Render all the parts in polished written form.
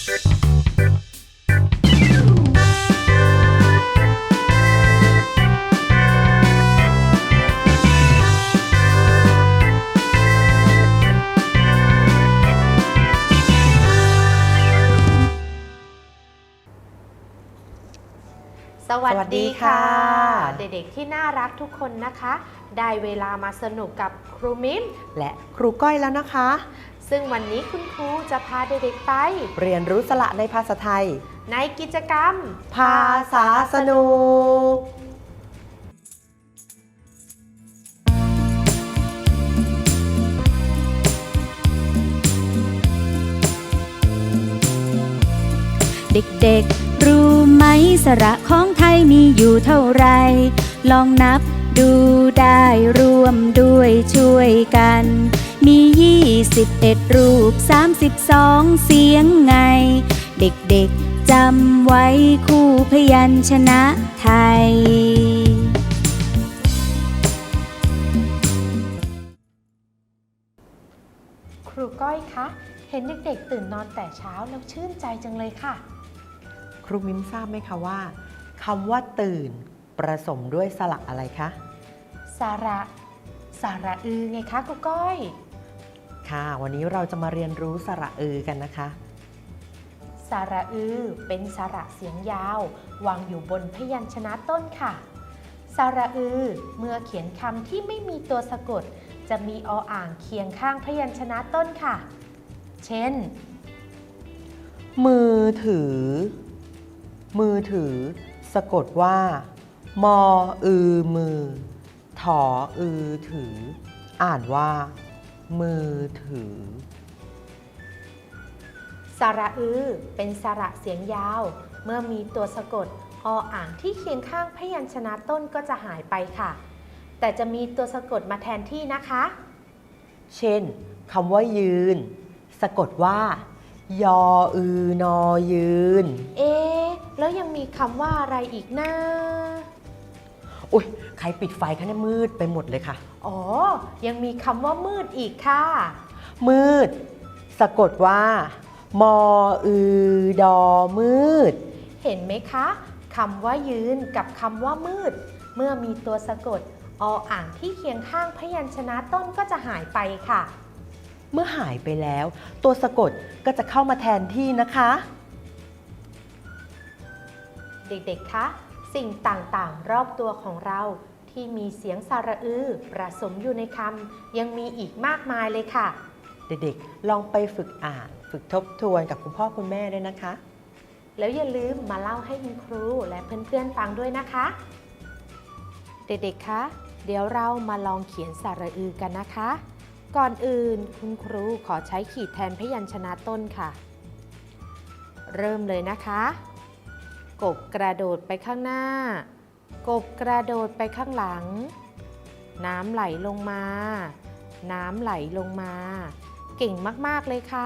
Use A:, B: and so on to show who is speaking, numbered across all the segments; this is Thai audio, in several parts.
A: สวัสดีค่ะเด็กๆที่น่ารักทุกคนนะคะได้เวลามาสนุกกับครูมิ้ม
B: และครูก้อยแล้วนะคะ
A: ซึ่งวันนี้คุณครูจะพาเด็กๆไป
B: เรียนรู้สระในภาษาไทย
A: ในกิจกรรม
B: ภาษาสนุก
C: เด็กๆรู้ไหมสระของไทยมีอยู่เท่าไรลองนับดูได้ร่วมด้วยช่วยกันมี21รูป32เสียงไงเด็กๆจำไว้คู่พยัญชนะไทย
A: ครูก้อยคะเห็นเด็กๆตื่นนอนแต่เช้าแล้วชื่นใจจังเลยค่ะ
B: ครูมิ้มทราบไหมคะว่าคำว่าตื่นประสมด้วยสระอะไรคะ
A: สระอือไงคะครูก้อย
B: ค่ะวันนี้เราจะมาเรียนรู้สระอือกันนะคะ
A: สระอือเป็นสระเสียงยาววางอยู่บนพยัญชนะต้นค่ะสระอือเมื่อเขียนคำที่ไม่มีตัวสะกดจะมีออ่างเคียงข้างพยัญชนะต้นค่ะเช่น
B: มือถือสะกดว่ามออือมือถออือถืออ่านว่ามือถือ
A: สระอือเป็นสระเสียงยาวเมื่อมีตัวสะกดออ่างที่เคียงข้างพยัญชนะต้นก็จะหายไปค่ะแต่จะมีตัวสะกดมาแทนที่นะคะ
B: เช่นคำว่ายืนสะกดว่ายออือนอยืน
A: แล้วยังมีคำว่าอะไรอีกนะ
B: อุ๊ยใครปิดไฟคะเนี่ยมืดไปหมดเลยค่ะ
A: อ๋อยังมีคำว่ามืดอีกค่ะ
B: มืดสะกดว่ามออือดอมืด
A: เห็นไหมคะคำว่ายืนกับคำว่ามืดเมื่อมีตัวสะกดออ่างที่เคียงข้างพยัญชนะต้นก็จะหายไปค่ะ
B: เมื่อหายไปแล้วตัวสะกดก็จะเข้ามาแทนที่นะคะ
A: เด็กๆคะสิ่งต่างๆรอบตัวของเราที่มีเสียงสระอือผสมอยู่ในคำยังมีอีกมากมายเลยค่ะ
B: เด็กๆลองไปฝึกอ่านฝึกทบทวนกับคุณพ่อคุณแม่ด้วยนะคะ
A: แล้วอย่าลืมมาเล่าให้คุณครูและเพื่อนๆฟังด้วยนะคะเด็กๆคะเดี๋ยวเรามาลองเขียนสระอือกันนะคะก่อนอื่นคุณครูขอใช้ขีดแทนพยัญชนะต้นค่ะเริ่มเลยนะคะกบกระโดดไปข้างหน้ากบกระโดดไปข้างหลังน้ำไหลลงมาน้ำไหลลงมาเก่งมากๆเลยค่ะ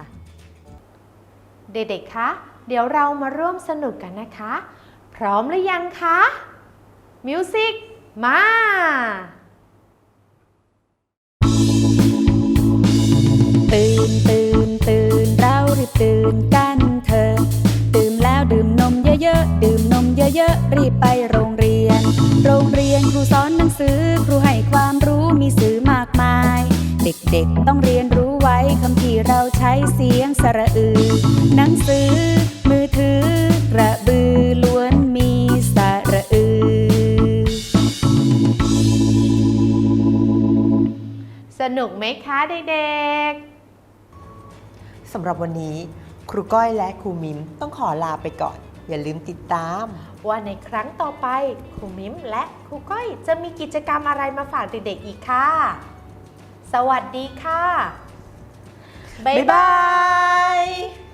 A: เด็กๆคะเดี๋ยวเรามาร่วมสนุกกันนะคะพร้อมหรือยังคะมิวสิกมา
C: ตื่นเรารีบตื่นกันเถอะตื่นแล้วดื่มนมเยอะๆดื่มนมเยอะๆรีบไปโรงเรียนครูสอนหนังสือครูให้ความรู้มีสื่อมากมายเด็กๆต้องเรียนรู้ไว้คำที่เราใช้เสียงสระอือหนังสือมือถือกระบือล้วนมีสระอือ
A: สนุกไหมคะเด็ก
B: ๆสำหรับวันนี้ครูก้อยและครูมิ้มต้องขอลาไปก่อนอย่าลืมติดตาม
A: ว่าในครั้งต่อไปครูมิ้มและครูก้อยจะมีกิจกรรมอะไรมาฝากเด็กๆอีกค่ะสวัสดีค่ะบ๊ายบาย